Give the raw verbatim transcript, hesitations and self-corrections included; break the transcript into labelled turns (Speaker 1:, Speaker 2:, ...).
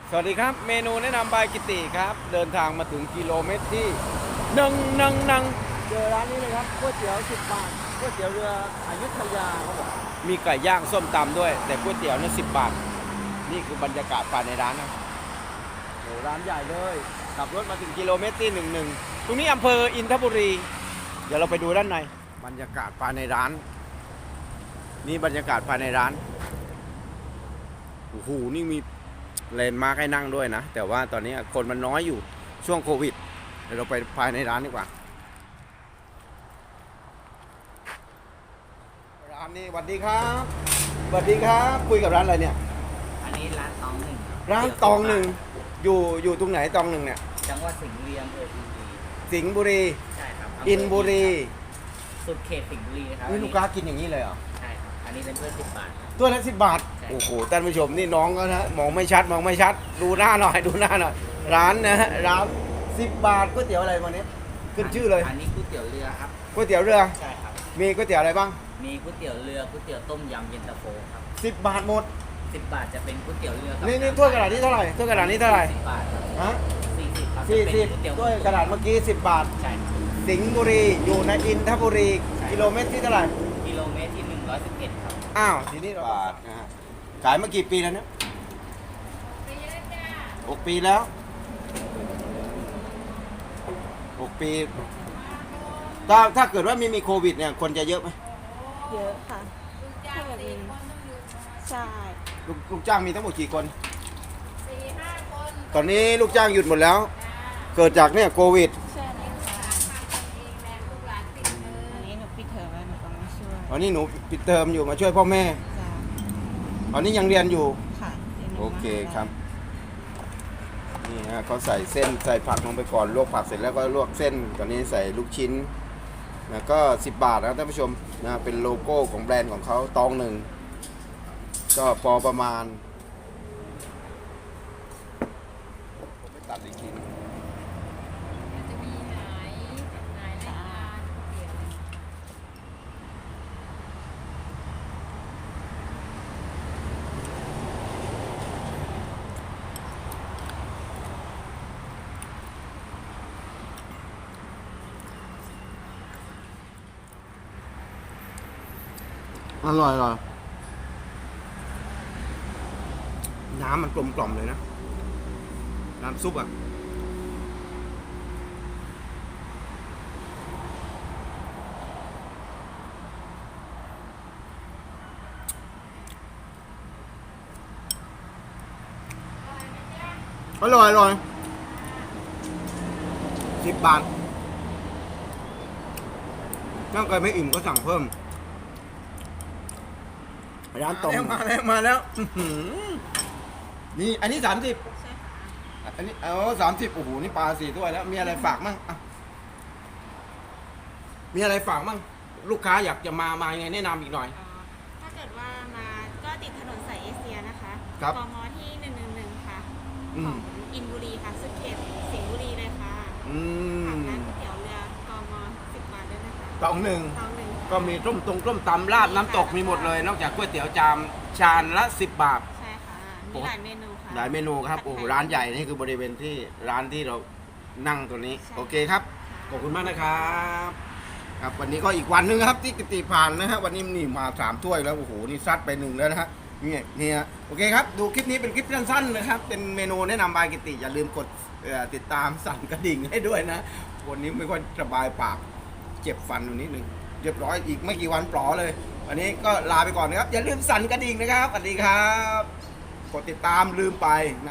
Speaker 1: สวัสดีครับเมนูแนะนำบายกิติครับเดินทางมาถึงกิโลเมตรที่หนึ่งหนึ่งหนึ่งเจอร้านนี้เลยครับก๋วยเตี๋ยวสิบบาทก๋วยเตี๋ยวเรืออยุธยาเขาบอกมีไก่ย่างส้มตำด้วยแต่ก๋วยเตี๋ยวนี่สิบบาทนี่คือบรรยากาศภายในร้านนะโอ้ร้านใหญ่เลยขับรถมาถึงกิโลเมตรที่หนึ่งหนึ่งตรงนี้อำเภออินทบุรีเดี๋ยวเราไปดูด้านในบรรยากาศภายในร้านนี่บรรยากาศภายในร้านโอ้โหนี่มีเลนมาร์คให้นั่งด้วยนะแต่ว่าตอนนี้คนมันน้อยอยู่ช่วงโควิดเดี๋ยวเราไปภายในร้านดีกว่าร้านนี้สวัสดีครับสวัสดีครับคุยกับร้านอะไรเนี่ย
Speaker 2: อันนี้ร้านตองหนึ่ง
Speaker 1: ร้านตองหนึ่งอยู่อยู่ตรงไหนตองหนึ่งเนี่ย
Speaker 2: จังหวัดสิงห์บุรีอำเภออินบุรี
Speaker 1: สิงห์บุรี
Speaker 2: ใช่ครับ
Speaker 1: อินบุรี
Speaker 2: สุดเขตสิงห์บุรีครับ
Speaker 1: นี่ลูกค้ากินอย่างนี้เลยเหรอ
Speaker 2: ใช่ครับอันนี้เป็นเพื่อนสิบบาท
Speaker 1: ตัวละสิบบาทโอ้โหท่านผู้ชมนี่น้องก็นะมองไม่ชัดมองไม่ชัดดูหน้าหน่อยดูหน้าหน่อยร้านนะฮะร้านสิบบาทก๋วยเตี๋ยวอะไรวันนี้ขึ้นชื่อเลย
Speaker 2: อันนี้ก๋วยเตี๋ยวเรือครับ
Speaker 1: ก๋วยเตี๋ยวเรือ
Speaker 2: ใช่ครับ
Speaker 1: มีก๋วยเตี๋ยวอะไรบ้าง
Speaker 2: มีก๋วยเตี๋ยวเรือก๋วยเตี๋ยวต้มยำเย็นตาโฟครับ
Speaker 1: สิบบาทหมด
Speaker 2: สิบบาทจะเป็นก๋วยเตี๋ยวเรือ
Speaker 1: นี่นี่ถ้วยกระดาษนี้เท่าไหร่ถ้วยกระดาษนี้เท่าไหร่
Speaker 2: สิบบาท
Speaker 1: ฮะ
Speaker 2: สี่สิบครับ
Speaker 1: สี่สิบถ้วยกระดาษเมื่อกี้สิบบาท
Speaker 2: ใช่ครับ
Speaker 1: สิงห์บุรีอยู่ในอินทบุรีกิโลเมตรที่เท่าไหร่
Speaker 2: กิโลเมตรที่หนึ่งร้อยสิบเอ็ดครับ
Speaker 1: อ้าวทีนี้เราบาทนะฮะขายมากี่ปีแล้วเนี่ยหกปีแล้วหกปีถ้าถ้าเกิดว่าไม่มีโควิดเนี่ยคนจะเยอะไหม
Speaker 3: เยอะค่ะถ้าแบบนี้ใช่
Speaker 1: ลูกลูกจ้างมีทั้งหมดกี่คนสี่ห้าคนตอนนี้ลูกจ้างหยุดหมดแล้ว เกิดจากเนี่ยโควิด
Speaker 3: ใช่อันนี้หนูปิดเทอมแล้วหนูก็มาช่วย
Speaker 1: วันนี้หนูปิดเทอมอยู่มาช่วยพ่อแม่ตอนนี้ยังเรียนอยู่
Speaker 3: ค่ะ
Speaker 1: โอเคครับนี่ฮะเขาใส่เส้นใส่ผักลงไปก่อนลวกผักเสร็จแล้วก็ลวกเส้นตอนนี้ใส่ลูกชิ้นนะก็สิบบาทนะท่านผู้ชมนะเป็นโลโก้ของแบรนด์ของเขาตองหนึ่งก็พอประมาณผมไปตัดอีกทีอร่อยอร่อยน้ำมันกลมกล่อมเลยนะน้ำซุปอ่ะอร่อยอร่อยสิบบาทถ้าเกิดไม่อิ่มก็สั่งเพิ่มร้านตรงมาแล้วมาแล้วนี่อันนี้สามสิบอันนี้เอาสามสิบโอ้โหนี่ปลาสี่ถ้วยแล้วมีอะไรฝากมั่งมีอะไรฝากมั่งลูกค้าอยากจะมามาไงแนะนำอีกหน่อย
Speaker 3: ถ้าเกิดว่ามาก็ติดถนนสายเอเชียนะคะ
Speaker 1: ก
Speaker 3: มที่หนึ่งหนึ่งหนึ่งค่ะของอินบุรีค่ะสุดเขตสิงห์บุรีเลยค่ะ
Speaker 1: อืม
Speaker 3: ร้านก๋วยเตี๋ยวเรือกมสิบบาทด้วยนะคะ
Speaker 1: ตองหนึ่ง
Speaker 3: ตองหนึ่ง
Speaker 1: ก็มีต้มตรงต้มตำราดน้ำตกมีหมดเลยนอกจากก๋วยเตี๋ยวจามชามละสิบบาท
Speaker 3: ใช่ค่ะมีหลายเมนูค่ะ
Speaker 1: หลายเมนูครับโอ้ร้านใหญ่นี่คือบริเวณที่ร้านที่เรานั่งตัวนี้โอเคครับขอบคุณมากนะครับครับวันนี้ก็อีกวันนึงครับที่กิติผ่านนะฮะวันนี้นี่มาสามถ้วยแล้วโอ้โหนี่ซัดไปหนึ่งแล้วนะฮะนี่นี่ฮะโอเคครับดูคลิปนี้เป็นคลิปสั้นๆนะครับเป็นเมนูแนะนำบายกิติอย่าลืมกดติดตามสั่นกระดิ่งให้ด้วยนะวันนี้ไม่ค่อยสบายปากเจ็บฟันอยู่นิดนึงเรียบร้อยอีกไม่กี่วันปลอเลยวันนี้ก็ลาไปก่อนนะครับอย่าลืมสั่นกระดิ่งนะครับสวัสดีครับกดติดตามลืมไป